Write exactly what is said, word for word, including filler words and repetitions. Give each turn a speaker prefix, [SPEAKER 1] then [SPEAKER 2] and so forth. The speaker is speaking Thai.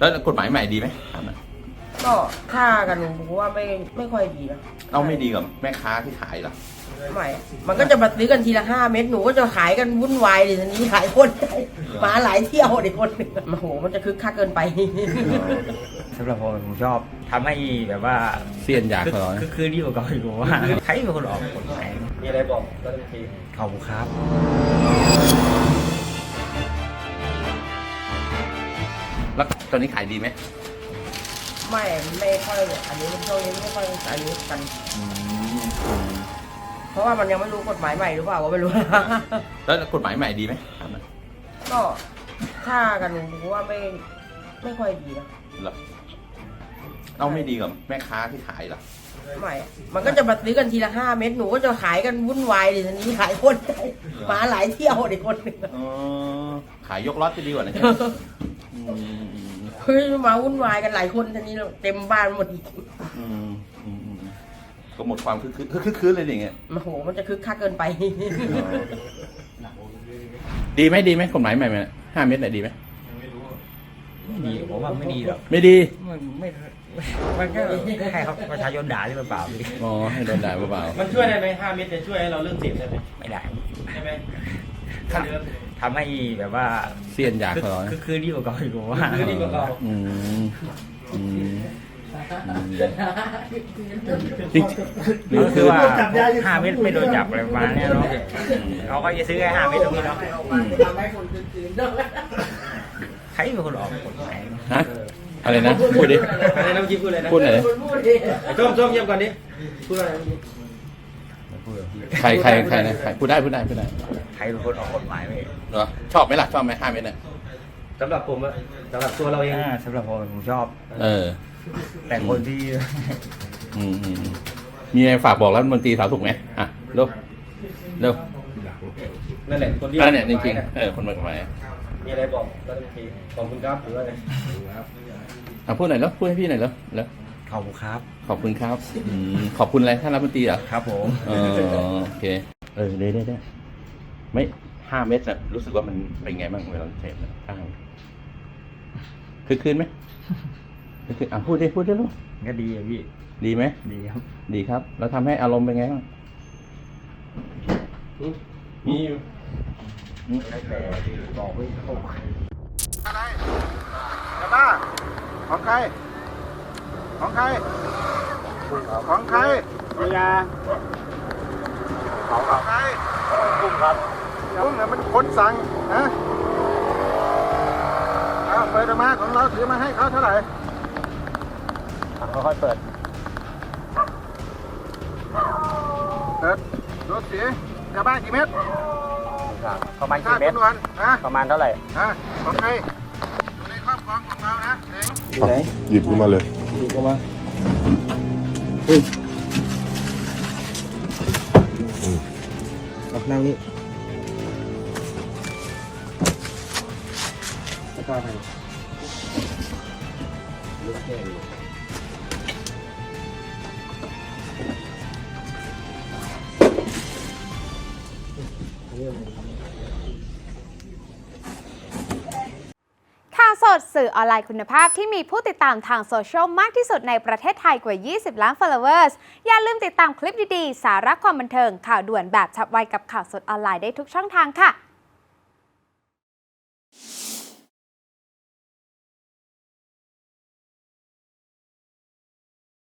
[SPEAKER 1] แล้วกฎหมายใหม่ดีไหม
[SPEAKER 2] ก็ค่ากันผมว่าไม่ไม่ค่อยดีนะ
[SPEAKER 1] เอาไม่ดีกับแม่ค้าที่ขายหรอ
[SPEAKER 2] ไม่มันก็จะมาซื้อกันทีละห้าเม็ดหนูก็จะขายกันวุ่นวายดิทีนี้ขายคนมาหลายเที่ยวเด็กคนหนึ่งโอ้โหมันจะคึกคักเกินไป
[SPEAKER 3] สำหรับผมผมชอบทำให้แบบว่า
[SPEAKER 1] เสียนอยากเหรอ
[SPEAKER 3] คือคือดีกว่าเก่าอีกว่าใครเป็นคนออกกฎหมาย
[SPEAKER 4] มีอะไรบอกรัฐมนตรี
[SPEAKER 3] ขอบคุณครับ
[SPEAKER 1] แล้วตอนนี้ขายดีไหม
[SPEAKER 2] ไม่ไม่ค่อยอันนี้ช่วงนี้ไม่ค่อยอันนี้กันเพราะว่ามันยังไม่รู้กฎหมายใหม่หรือเปล่าก็ไม่รู้
[SPEAKER 1] แล้วกฎหมายใหม่ดีไหม
[SPEAKER 2] ก็ค่ากันผมว่าไม่ไม่ค่อยดีนะ
[SPEAKER 1] หรอเอาไม่ดีกับแม่ค้าที่ขายหรอ
[SPEAKER 2] ไม่มันก็จะมาซื้อกันทีละห้าเม็ดหนูก็จะขายกันวุ่นวายดิทีนี้ขายคนมาหลายเที่ยวเด็กคนหนึ่ง
[SPEAKER 1] ขายยกล็อตจะดีกว่านะ
[SPEAKER 2] เฮ้ยมาวุ่นวายกันหลายคนทีนี้เต็มบ้านหมดอีก
[SPEAKER 1] ก็หมดความคึกคึกคึกคืนเลยอย่างเงี้ย
[SPEAKER 2] โอ้โหมันจะคึกคักเกินไป
[SPEAKER 1] ดีไหมดีไหมกฎหมายใหม่ไหมห้าเม็ดไหนดีไหม
[SPEAKER 3] ไม่ดีผมว่าไม่ดีหรอก
[SPEAKER 1] ไม่ดี
[SPEAKER 3] มันไม่มันก็ให้เขาประชาชนด่าที่เปล่า
[SPEAKER 1] อ๋อให้โดนด่าเปล่า
[SPEAKER 4] มันช่วยได้ไหมห้าเม็ดจะช่วยให้เราเลิกเสพได้ไหม
[SPEAKER 3] ไม่ได้
[SPEAKER 4] ใช่ไหม
[SPEAKER 3] ทำให้แบบว่า
[SPEAKER 1] เสียนอยากเหรอ
[SPEAKER 3] คือคือดีกว่าเก่าอีกว่า
[SPEAKER 4] คือดีกว่าเก่า
[SPEAKER 1] อืมอืมจริง
[SPEAKER 3] คือว่าห้าเม็ดไม่โดนจับอะไรประมาณนี้เนาะเขาก็จะซื้อแค่ห้าเม็ดตรงนี้เนาะใครเป็นคนออกกฎหมาย
[SPEAKER 1] ฮะอะไรนะพูดดิ
[SPEAKER 4] อะไรนะเมื่อกี้พูดอะไรนะ
[SPEAKER 1] พูดอะไร
[SPEAKER 4] ส้มส้มเยี่ยมก่อนดิพูดอะไร
[SPEAKER 1] ใครใครใครนะใครพูดได้พูดได้พูดได้
[SPEAKER 3] ใครเป็นคนออกกฎหมายไหม
[SPEAKER 1] เหรอชอบไหมล่ะชอบไหมห้าเม็ดเนี่ย
[SPEAKER 4] สำหรับผมอะสำหรับตัวเราเอง
[SPEAKER 3] สำหรับผมผมชอบ
[SPEAKER 1] เออ
[SPEAKER 3] แต่คนที่
[SPEAKER 1] อืมมีอะไรฝากบอกรัฐมนตรีสาธารณสุขไหมอ่ะเร็วเร็ว
[SPEAKER 4] นั่นแหละคนที่
[SPEAKER 1] นั่นเนี่ยจริงๆเออคนมาทำไม
[SPEAKER 4] มีอะไรบอกรัฐมนตรีขอบคุณครับหรือว่าไงครับ
[SPEAKER 1] อ่ะพูดหน่อยแล้วพูดให้พี่หน่อยแล้วแล้ว
[SPEAKER 3] ขอบคุณครับ
[SPEAKER 1] ขอบคุณครับขอบคุณอะไรท่านรัฐมนตรีเหรอ
[SPEAKER 3] ครับผม
[SPEAKER 1] เออโอเคเออได้ได้ได้ไม่ห้าเม็ดน่ะรู้สึกว่ามันเป็นไงบ้างเวลาเสพนะข้างคือคืนไหมคือคืนอ่ะพูดได้พูดได้ลูก
[SPEAKER 3] ก็ดีอ่ะพี่
[SPEAKER 1] ดีไหม
[SPEAKER 3] ดีครับ
[SPEAKER 1] ดีครับแล้วทำให้อารมณ์เป็นไงบ้างมีอยู่
[SPEAKER 3] ไม่แต่บอกไม่ถูก
[SPEAKER 5] อะไรจะบ้าของใครของใครของใคร
[SPEAKER 3] มียา
[SPEAKER 5] ของใครกุ้งครับกุ้งเนี่ยมันคนสั่งนะเอาเปิดมาของเราถือมาให้เขาเท่าไหร่
[SPEAKER 3] ค่อยๆเปิด
[SPEAKER 5] เปิดรถสียาบ้ากี่เม็ด
[SPEAKER 3] ประมาณกี่เม็ดประมาณเท่าไหร่
[SPEAKER 5] ฮะของใครอยู่ในครอบครองของเรานะเ
[SPEAKER 6] องหยิบขึ้นมาเลย
[SPEAKER 1] หยิบขึ้นมา
[SPEAKER 6] เฮ้ย
[SPEAKER 3] นั่งนี่
[SPEAKER 5] แล้วก็ไปลูกแก้ว
[SPEAKER 7] ข่าวสดสื่อออนไลน์คุณภาพที่มีผู้ติดตามทางโซเชียลมากที่สุดในประเทศไทยกว่า ยี่สิบ ล้าน followers อย่าลืมติดตามคลิปดีๆ สาระความบันเทิงข่าวด่วนแบบฉับไวกับข่าวสดออนไลน์ได้ทุกช่องทางค่ะ